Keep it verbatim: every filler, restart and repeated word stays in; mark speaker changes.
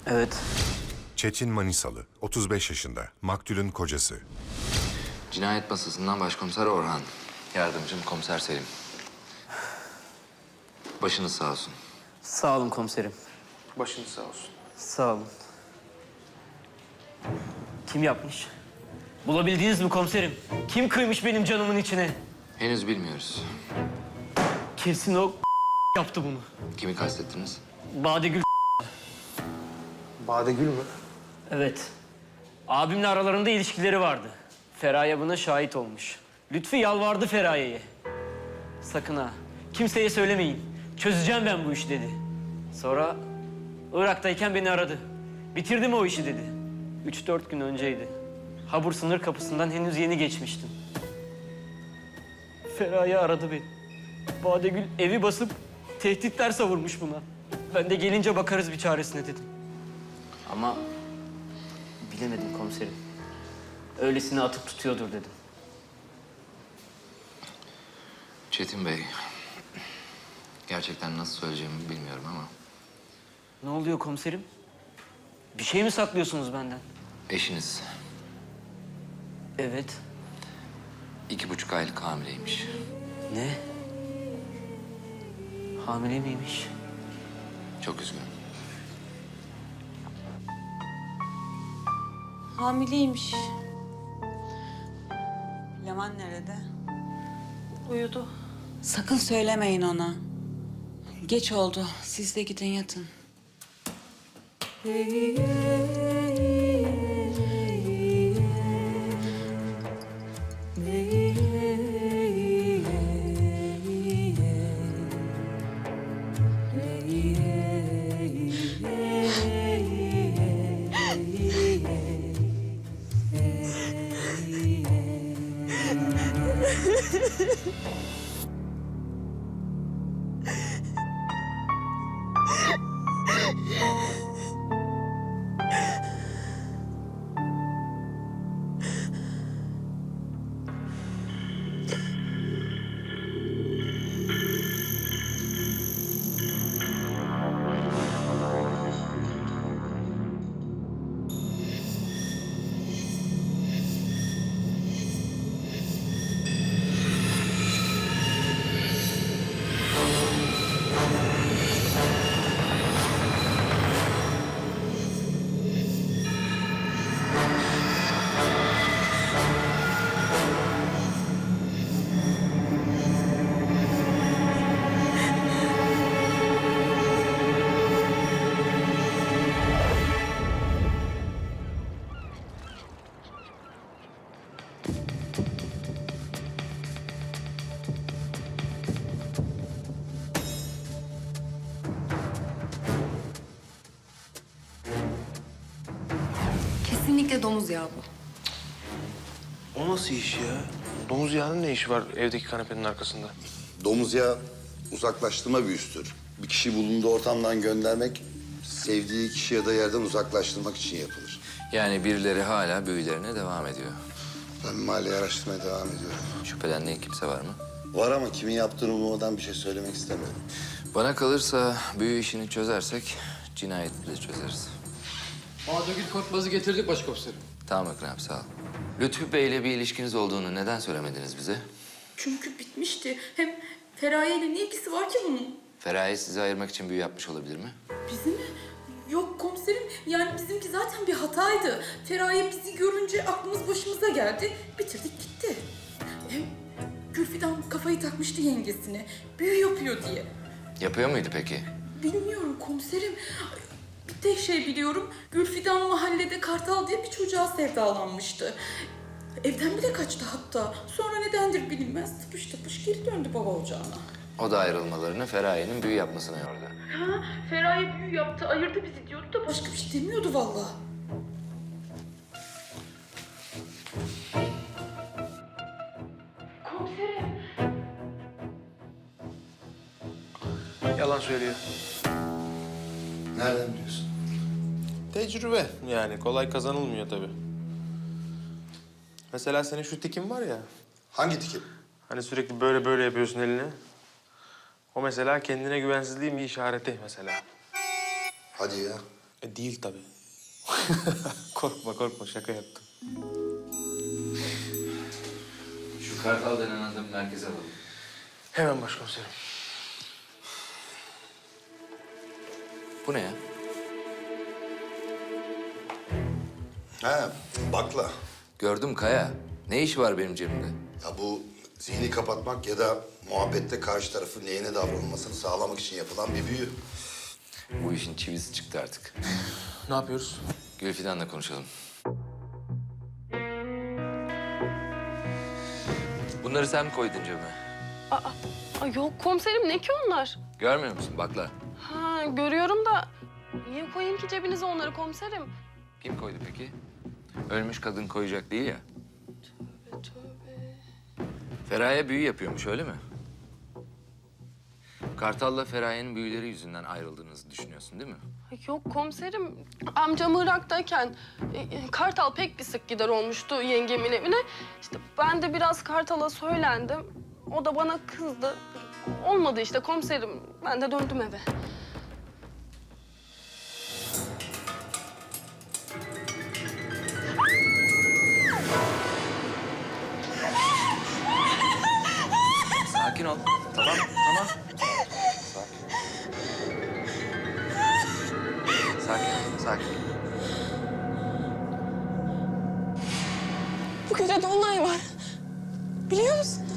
Speaker 1: Evet.
Speaker 2: Çetin Manisalı, otuz beş yaşında, maktulün kocası.
Speaker 3: Cinayet masasından Başkomiser Orhan. Yardımcım Komiser Selim. Başınız sağ olsun.
Speaker 1: Sağ olun komiserim.
Speaker 4: Başınız sağ olsun.
Speaker 1: Sağ olun. Kim yapmış? Bulabildiniz mi komiserim? Kim kıymış benim canımın içine?
Speaker 3: Henüz bilmiyoruz.
Speaker 1: Kesin o yaptı bunu.
Speaker 3: Kimi kastettiniz?
Speaker 1: Badegül.
Speaker 4: Badegül mü?
Speaker 1: Evet. Abimle aralarında ilişkileri vardı. Feraye buna şahit olmuş. Lütfü yalvardı Feraye'ye. Sakın ha, kimseye söylemeyin. Çözeceğim ben bu işi dedi. Sonra Irak'tayken beni aradı. Bitirdim o işi dedi. Üç dört gün önceydi. Habur sınır kapısından henüz yeni geçmiştim. Feraye aradı beni. Badegül evi basıp tehditler savurmuş buna. Ben de gelince bakarız bir çaresine dedim. Ama bilemedim komiserim. Öylesine atıp tutuyordur dedim.
Speaker 3: Çetin Bey. Gerçekten nasıl söyleyeceğimi bilmiyorum ama...
Speaker 1: Ne oluyor komiserim? Bir şey mi saklıyorsunuz benden?
Speaker 3: Eşiniz
Speaker 1: Evet.
Speaker 3: iki buçuk aylık hamileymiş.
Speaker 1: Ne? Hamile miymiş?
Speaker 3: Çok üzgünüm.
Speaker 5: Hamileymiş. Leman nerede?
Speaker 6: Uyudu.
Speaker 5: Sakın söylemeyin ona. Geç oldu. Siz de gidin yatın.
Speaker 6: Kesinlikle domuz yağı bu.
Speaker 4: O nasıl iş ya? Domuz yağının ne işi var evdeki kanepenin arkasında?
Speaker 7: Domuz yağı uzaklaştırma büyüsüdür. Bir kişi bulunduğu ortamdan göndermek, sevdiği kişi ya da yerden uzaklaştırmak için yapılır.
Speaker 3: Yani birileri hala büyülerine devam ediyor.
Speaker 7: Ben mahalleyi araştırmaya devam ediyorum.
Speaker 3: Şüphelendiğin kimse var mı?
Speaker 7: Var ama kimin yaptığını bulmadan bir şey söylemek istemiyorum.
Speaker 3: Bana kalırsa büyü işini çözersek cinayeti de çözeriz.
Speaker 8: Badegül Korkmaz'ı getirdik başkomiserim.
Speaker 3: Tamam Ekrem sağ ol. Lütfü Bey'le bir ilişkiniz olduğunu neden söylemediniz bize?
Speaker 6: Çünkü bitmişti. Hem Feraye ile ne ilgisi var ki bunun?
Speaker 3: Feraye sizi ayırmak için büyü yapmış olabilir mi?
Speaker 6: Bizim mi? Yok komiserim. Yani bizimki zaten bir hataydı. Feraye bizi görünce aklımız başımıza geldi. Bitirdik gitti. Hem Gülfidan kafayı takmıştı yengesine. Büyü yapıyor diye.
Speaker 3: Yapıyor muydu peki?
Speaker 6: Bilmiyorum komiserim. Bir tek şey biliyorum. Gülfidan mahallede Kartal diye bir çocuğa sevdalanmıştı. Evden bile kaçtı hatta. Sonra nedendir bilinmez. Tıpış tıpış geri döndü baba ocağına.
Speaker 3: O da ayrılmalarını Feraye'nin büyü yapmasına yordu.
Speaker 6: Ha, Feraye büyü yaptı, ayırdı bizi diyordu da başka bir şey demiyordu vallahi. Komiserim.
Speaker 4: Yalan söylüyor.
Speaker 7: Nereden biliyorsun?
Speaker 4: Tecrübe yani kolay kazanılmıyor tabii. Mesela senin şu tikin var ya.
Speaker 7: Hangi tikim?
Speaker 4: Hani sürekli böyle böyle yapıyorsun elini. O mesela kendine güvensizliğin bir işareti mesela.
Speaker 7: Hadi ya.
Speaker 4: E, değil tabii. Korkma korkma şaka yaptım.
Speaker 3: Şu Kartal denen adamı merkeze alalım.
Speaker 4: Hemen başkomiserim.
Speaker 3: Bu ne ya?
Speaker 7: Ha, bakla.
Speaker 3: Gördüm Kaya. Ne işi var benim cebimde?
Speaker 7: Ya bu zihni kapatmak ya da muhabbette karşı tarafın lehine davranılmasını sağlamak için yapılan bir büyü.
Speaker 3: Bu işin çivisi çıktı artık.
Speaker 4: Ne yapıyoruz?
Speaker 3: Gülfidan'la konuşalım. Bunları sen mi koydun cebime?
Speaker 9: Aa, aa, yok komiserim ne ki onlar?
Speaker 3: Görmüyor musun? Bakla.
Speaker 9: Ha görüyorum da niye koyayım ki cebinize onları komiserim?
Speaker 3: Kim koydu peki? Ölmüş kadın koyacak değil ya.
Speaker 9: Tövbe tövbe.
Speaker 3: Feraye büyü yapıyormuş öyle mi? Kartal'la Feraye'nin büyüleri yüzünden ayrıldığınızı düşünüyorsun değil mi?
Speaker 9: Ay, yok komiserim amcam Irak'tayken e, e, Kartal pek bir sık gider olmuştu yengemin evine. İşte ben de biraz Kartal'a söylendim. O da bana kızdı. Olmadı işte komiserim. Ben de döndüm eve.
Speaker 3: Sakin ol. Tamam, tamam. Sakin, sakin.
Speaker 10: Bu gece dolunay var. Biliyor musun?